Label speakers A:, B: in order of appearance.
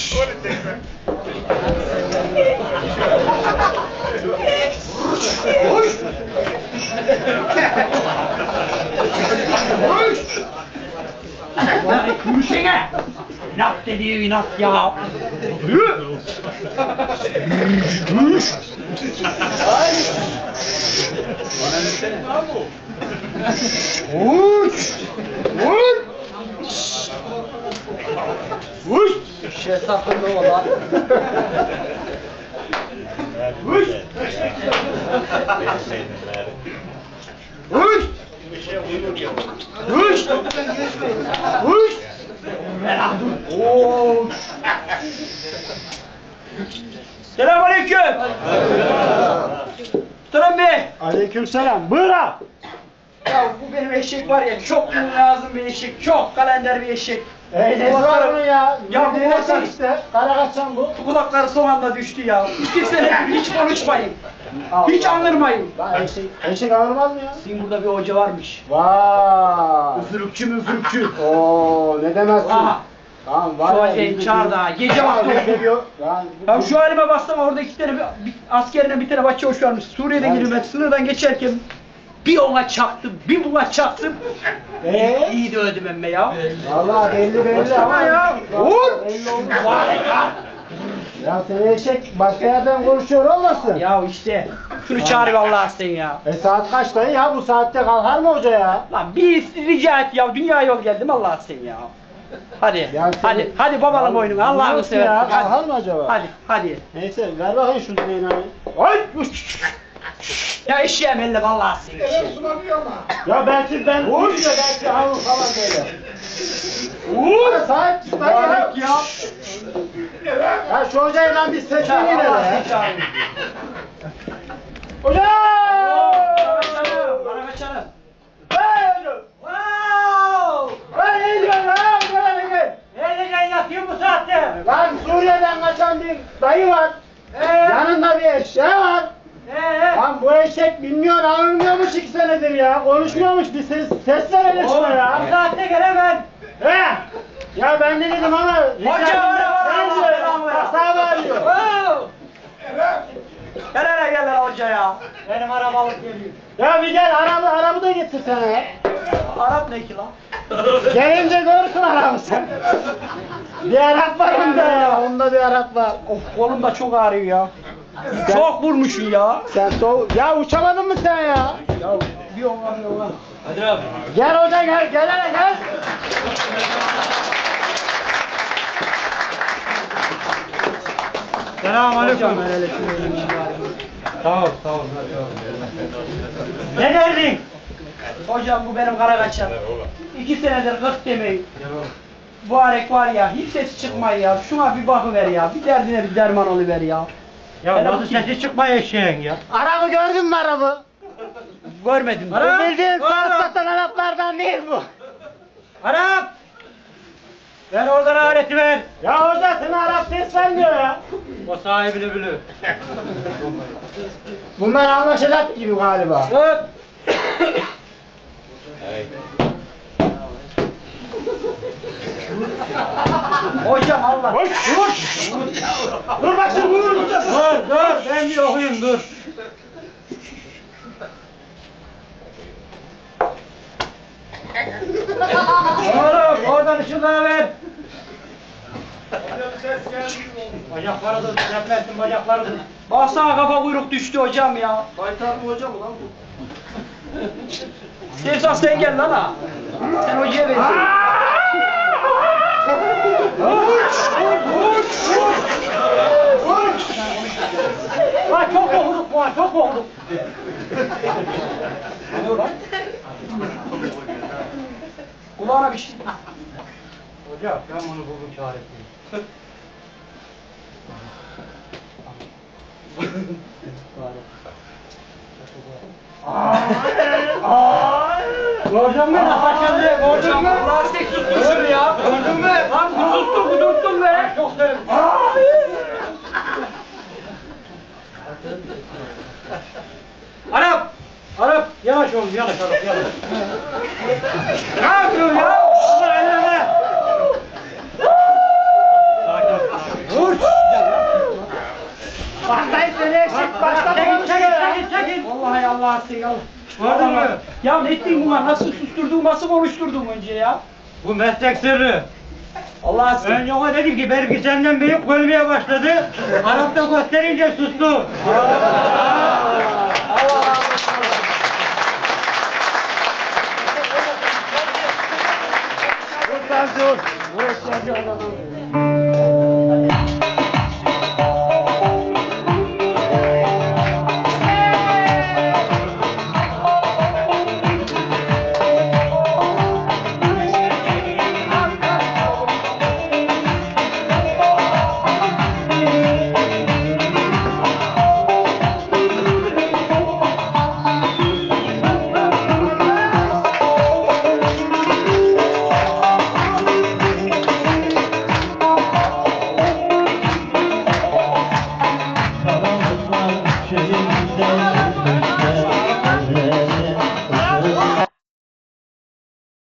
A: Yürüsene! İnat dediği inat ya! Yürü! Uç! Uç! Uç! Şey sakın ne ola? Uç! Uç! Uç! Uç! Uç! Selamünaleyküm. Muhterem Bey.
B: Aleykümselam. Buyur ha.
A: Ya bu benim eşek var ya, çok lazım bir eşek, çok kalender bir eşek.
B: Ne var bunun ya?
A: Ya bu
B: kulaklar işte. Kara kaçan bu.
A: Kulakları son anda düştü ya. 2 sene hiç konuşmayın. Hiç anırmayın.
B: Lan eşek ağırmaz mı ya?
A: Sizin burada bir hoca varmış.
B: Vay.
A: Üfürükçü müfürükçü.
B: Oo ne demezsin.
A: Aha.
B: Tamam var
A: Şu
B: ya.
A: hocayı çağır da gece vakti okuyor. Ya şu halime baksana, orada 2 tane bir askerine bir tane başçavuş varmış. Suriye'de
B: Yani.
A: gidiyorum ben, sınırdan geçerken bir ona çaktım, bir buna çaktım. İyi de öldüm emme ya.
B: Valla belli ama
A: ya.
B: Vur. Belli oldu. Ya sen eşek başka yerden konuşuyor olmasın?
A: Ya işte şunu çağır vallahi sen ya.
B: Saat kaçta ya? Bu saatte kalkar mı hoca ya?
A: Lan bir rica et ya, dünya yol geldim Allah sen ya. Hadi,
B: Ya
A: hadi, hadi babalım oyunu, Allah'ını
B: Nasıl ya?
A: seversen.
B: Kalkar
A: Hadi,
B: mı acaba?
A: hadi.
B: Neyse ver bakayım şu Zeynep'i.
A: Ay! Ya eşeğim elle vallahi sen.
B: Ya belki ben vur da belki alın falan böyle. Vur! Sahip çık lan ya. Ya şu hocayı lan bir seçelim yine de. Hoca!
A: Bana kaçalım.
B: Ne diyorsun lan?
A: Nereden yatıyor bu saatte?
B: Lan Suriye'den kaçan bir dayı var. Yanında bir eşeği var. Lan bu eşek bilmiyor, anlamıyormuş 2 senedir ya. Konuşmuyormuş, bir ses verelim şuna ya.
A: Bu saatte gelemem.
B: He? Ya ben de dedim ama...
A: Hoca var.
B: Sağ bağırıyor.
A: Gel hele gel hele hoca ya. Benim arabalık geliyor.
B: Ya bir gel arabı da getir sana ya.
A: Arap ne ki lan?
B: Gelince görürsün arabı sen. Bir Arap var onda ya, onda bir Arap var.
A: Of, kolum da çok ağrıyor ya. Çok vurmuşsun ya.
B: Sen ya uçamadın mı sen ya?
A: Ya bir ona. Hadi abi.
B: Gel hoca gel, gel hele gel.
A: Selamünaleyküm.
B: Sağ ol.
A: Ne derdin? Hocam bu benim kara kaçan. 2 senedir 40 demeyin. Bu arek var ya, hiç ses çıkmıyor ya. Şuna bir bakıver ya. Bir derdine bir derman oluver ya.
C: Ya nasıl sesi çıkmıyor eşeğin ya?
B: Arabı gördün mü arabı?
A: Görmedim.
B: Bu bildiğin saat satan Araplardan değil bu.
C: Arap! Ver oradan aleti ver.
B: Ya hoca sana Arap ses vermiyor ya.
C: O sahibini bilir.
B: Bunlar anlaşılak gibi galiba.
C: Tut!
A: Hocam Allah.
B: Dur bak şimdi vurur.
C: Dur ben bir okuyayım dur. Oğlum oradan ışığı ver. Bacakları dur, yapmasın bacakları dur.
A: Baksana kafa kuyruk düştü hocam ya.
B: Baytar mı hocam lan bu?
A: İstersen sen gel lan ha. Sen hocaya benziyorsun.
C: Vay çok okuduk bu, çok okuduk.
A: Ne oluyor lan? Kulağına bir şey.
C: Hocam ben bunu buldum çaresini. Gördün mü? Kaçan diye gördün mü?
A: Lastik tutmuşsun ya.
C: Gördün mü?
A: Lan kudurttun be.
C: Çok severim. Arap! Arap! Yavaş oğlum, yavaş Arap, yavaş.
A: Ne yapıyorsun ya?
C: Allah elleme! Sakin ol.
A: Allah seni Allah.
C: Gördün mü?
A: Ya ne ettin buna? Nasıl susturdun, nasıl konuşturdun önce ya?
C: Bu meslek sırrı.
A: Allah seni.
C: Ben ona dedim ki belki senden büyük görmeye başladı. Arap'ta gösterince sustu.
B: Dur lan dur. Burası